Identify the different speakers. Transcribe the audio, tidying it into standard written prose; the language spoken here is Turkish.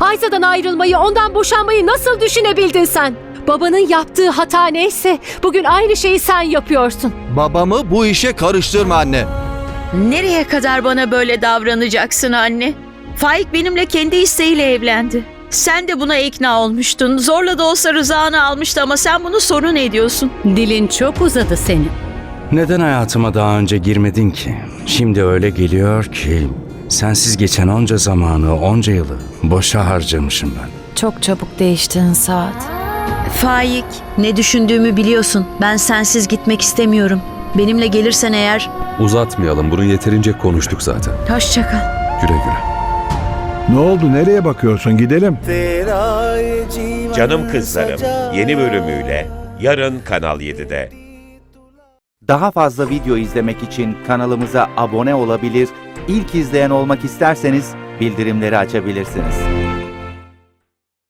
Speaker 1: Aysa'dan ayrılmayı, ondan boşanmayı nasıl düşünebildin sen? Babanın yaptığı hata neyse bugün aynı şeyi sen yapıyorsun.
Speaker 2: Babamı bu işe karıştırma anne.
Speaker 3: Nereye kadar bana böyle davranacaksın anne? Faik benimle kendi isteğiyle evlendi. Sen de buna ikna olmuştun. Zorla da olsa rızanı almıştı ama sen bunu sorun ediyorsun.
Speaker 1: Dilin çok uzadı senin.
Speaker 4: Neden hayatıma daha önce girmedin ki? Şimdi öyle geliyor ki sensiz geçen onca zamanı, onca yılı boşa harcamışım ben.
Speaker 5: Çok çabuk değiştin Saat.
Speaker 3: Faik, ne düşündüğümü biliyorsun. Ben sensiz gitmek istemiyorum. Benimle gelirsen eğer
Speaker 6: Uzatmayalım, bunu yeterince konuştuk zaten.
Speaker 3: hoşça kal.
Speaker 6: Güle güle.
Speaker 7: Ne oldu? Nereye bakıyorsun? Gidelim.
Speaker 8: Canım Kızlarım yeni bölümüyle yarın Kanal 7'de.
Speaker 9: Daha fazla video izlemek için kanalımıza abone olabilir, ilk izleyen olmak isterseniz bildirimleri açabilirsiniz.